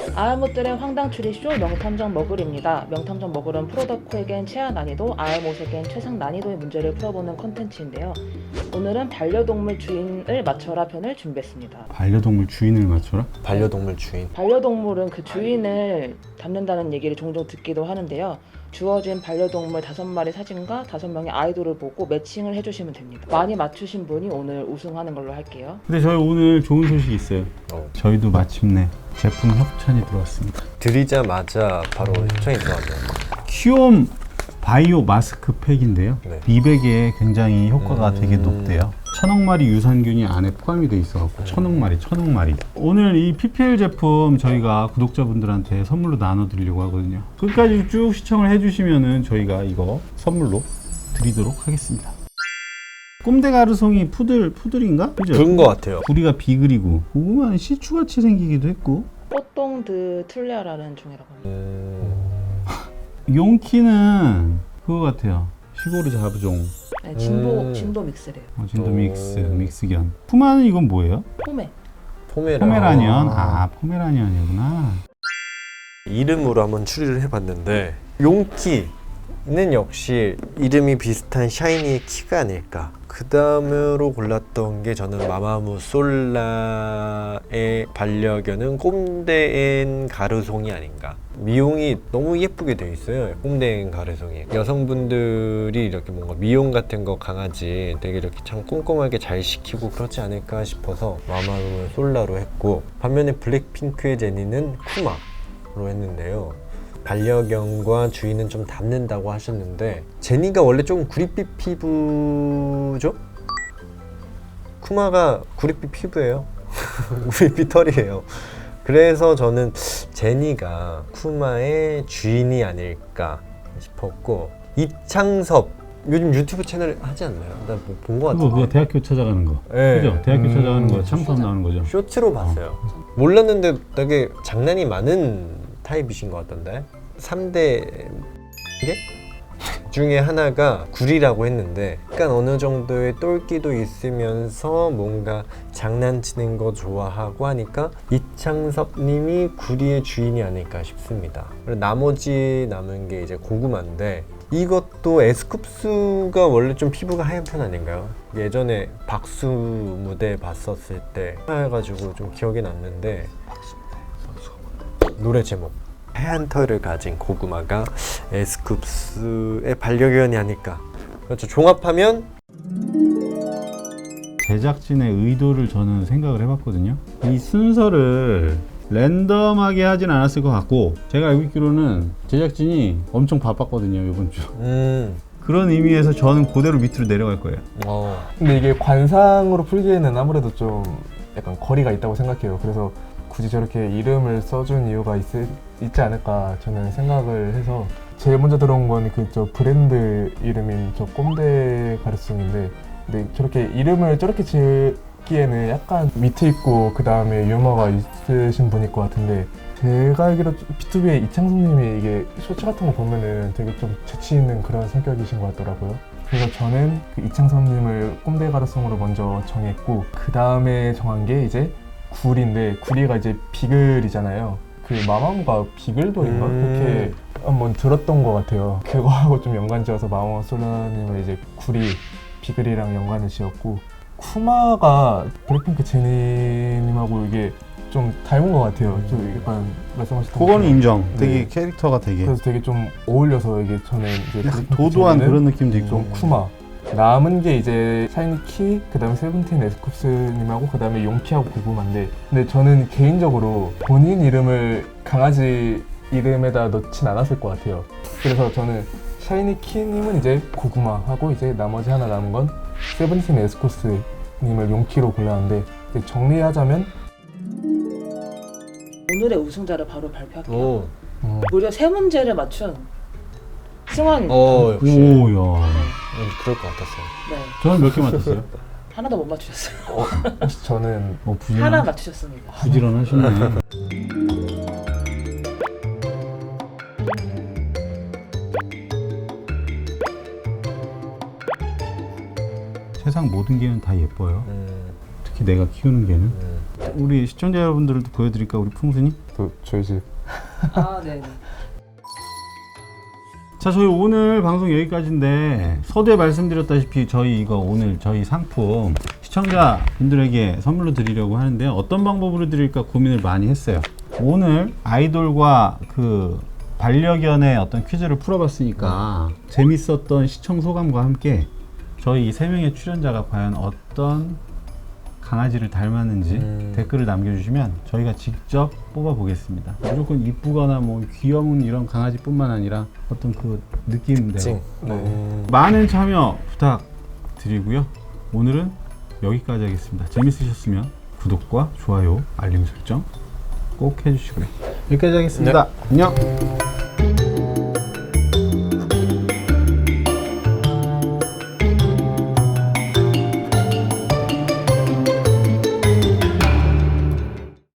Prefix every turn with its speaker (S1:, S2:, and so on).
S1: 아알못들의 황당 추리쇼 명탐정 머글입니다. 명탐정 머글은 프로덕후에겐 최하 난이도, 아알못에겐 최상 난이도의 문제를 풀어보는 컨텐츠인데요. 오늘은 반려동물 주인을 맞춰라 편을 준비했습니다.
S2: 반려동물 주인을 맞춰라?
S3: 반려동물 주인.
S1: 반려동물은 그 주인을 닮는다는 얘기를 종종 듣기도 하는데요. 주어진 반려동물 5마리 사진과 5명의 아이돌을 보고 매칭을 해주시면 됩니다. 많이 맞추신 분이 오늘 우승하는 걸로 할게요.
S2: 근데 저희 오늘 좋은 소식이 있어요. 저희도 마침내 제품 협찬이 들어왔습니다.
S3: 드리자마자 바로 협찬이 들어왔네요.
S2: 키움 바이오 마스크팩인데요.
S3: 네.
S2: 미백에 굉장히 효과가 되게 높대요. 1000억 마리 유산균이 안에 포함이 돼 있어갖고 1000억 마리. 오늘 이 PPL 제품 저희가 구독자분들한테 선물로 나눠드리려고 하거든요. 끝까지 쭉 시청을 해주시면은 저희가 이거 선물로 드리도록 하겠습니다. 꼼데 가르송이 푸들인가? 그죠?
S3: 그런 것 같아요.
S2: 부리가 비글이고 고구마는 시추같이 생기기도 했고
S1: 뽀똥드 툴레아라는 종이라고 합니다.
S2: 용키는 그거 같아요. 시골의 자부종.
S1: 네, 진도 믹스래요.
S2: 진도 믹스견. 푸마는 이건 뭐예요? 포메라니언. 포메라니언이구나.
S3: 이름으로 한번 추리를 해봤는데 용키는 역시 이름이 비슷한 샤이니의 키가 아닐까. 그 다음으로 골랐던 게 저는 마마무 솔라의 반려견은 꼼데엔 가르송이 아닌가. 미용이 너무 예쁘게 돼 있어요. 꼼데엔 가르송이. 여성분들이 이렇게 뭔가 미용 같은 거 강아지 되게 이렇게 참 꼼꼼하게 잘 시키고 그렇지 않을까 싶어서 마마무 솔라로 했고, 반면에 블랙핑크의 제니는 쿠마로 했는데요. 반려견과 주인은 좀 닮는다고 하셨는데 제니가 원래 조금 구릿빛 피부죠? 쿠마가 구릿빛 피부예요. 구릿빛 털이에요. 그래서 저는 제니가 쿠마의 주인이 아닐까 싶었고, 이창섭 요즘 유튜브 채널 하지 않나요? 나 본 거 같은데.
S2: 그거 대학교 찾아가는 거.
S3: 네.
S2: 그죠? 대학교 찾아가는 거 창섭 나오는 거죠.
S3: 쇼츠로 봤어요. 몰랐는데 되게 장난이 많은 타입이신 것 같던데. 3대 개 중에 하나가 구리라고 했는데 약간 어느 정도의 똘끼도 있으면서 뭔가 장난치는 거 좋아하고 하니까 이창섭 님이 구리의 주인이 아닐까 싶습니다. 그리고 나머지 남은 게 이제 고구마인데, 이것도 에스쿱스가 원래 좀 피부가 하얀 편 아닌가요? 예전에 박수 무대 봤었을 때 해가지고 좀 기억에 남는데, 노래 제목 하얀 털을 가진 고구마가 에스쿱스의 반려견이 아닐까. 그렇죠. 종합하면
S2: 제작진의 의도를 저는 생각을 해봤거든요. 이 순서를 랜덤하게 하진 않았을 것 같고, 제가 알고 있기로는 제작진이 엄청 바빴거든요, 이번 주. 그런 의미에서 저는 그대로 밑으로 내려갈 거예요.
S4: 근데 이게 관상으로 풀기에는 아무래도 좀 약간 거리가 있다고 생각해요. 그래서 굳이 저렇게 이름을 써준 이유가 있지 않을까 저는 생각을 해서, 제일 먼저 들어온 건 그 저 브랜드 이름인 저 꼼데 가르송인데, 근데 저렇게 이름을 저렇게 지기에는 약간 밑에 있고 그 다음에 유머가 있으신 분일 것 같은데, 제가 알기로 B2B의 이창섭님이 이게 쇼츠 같은 거 보면은 되게 좀 재치 있는 그런 성격이신 것 같더라고요. 그래서 저는 그 이창섭님을 꼼데 가르송으로 먼저 정했고, 그 다음에 정한 게 이제 구리인데, 구리가 이제 비글이잖아요. 그 마마무가 비글돌인가? 그렇게 한번 들었던 것 같아요. 그거하고 좀 연관 지어서 마마무 솔라님을 이제 구리, 비글이랑 연관을 지었고, 쿠마가 블랙핑크 제니님하고 이게 좀 닮은 것 같아요. 좀 약간 말씀하셨던
S2: 그거는
S4: 것처럼.
S2: 인정. 되게
S4: 네.
S2: 캐릭터가 되게
S4: 그래서 되게 좀 어울려서 이게 저는 이제 블랙핑크
S2: 도도한
S4: 제니는
S2: 그런 느낌도 있고.
S4: 좀 쿠마. 남은 게 이제 샤이니키, 그 다음에 세븐틴 에스쿱스님하고 그 다음에 용키하고 고구마인데, 근데 저는 개인적으로 본인 이름을 강아지 이름에다 넣진 않았을 것 같아요. 그래서 저는 샤이니키님은 이제 고구마하고 이제 나머지 하나 남은 건 세븐틴 에스쿱스님을 용키로 골랐는데, 이제 정리하자면
S1: 오늘의 우승자를 바로 발표할게요.
S3: 오.
S1: 무려 3문제를 맞춘 승환입니다.
S3: 역시
S2: 오야.
S3: 그럴 것 같았어요.
S1: 네,
S2: 저는 몇 개 맞췄어요?
S1: 하나도 못 맞추셨어요.
S4: 혹시 저는
S1: 하나 맞추셨습니다.
S2: 부지런하시네. 세상 모든 개는 다 예뻐요. 특히 내가 키우는 개는. 우리 시청자 여러분들도 보여드릴까 우리 풍순이?
S4: 또 저희 집
S1: 아, 네.
S2: 자, 저희 오늘 방송 여기까지인데 서두에 말씀드렸다시피 저희 이거 오늘 저희 상품 시청자분들에게 선물로 드리려고 하는데 어떤 방법으로 드릴까 고민을 많이 했어요. 오늘 아이돌과 그 반려견의 어떤 퀴즈를 풀어봤으니까 재밌었던 시청 소감과 함께 저희 이 3명의 출연자가 과연 어떤 강아지를 닮았는지 댓글을 남겨주시면 저희가 직접 뽑아보겠습니다. 무조건 이쁘거나 뭐 귀여운 이런 강아지뿐만 아니라 어떤 그 느낌인데요.
S3: 찡.
S2: 많은 참여 부탁드리고요. 오늘은 여기까지 하겠습니다. 재밌으셨으면 구독과 좋아요, 알림 설정 꼭 해주시고요. 여기까지 하겠습니다. 안녕.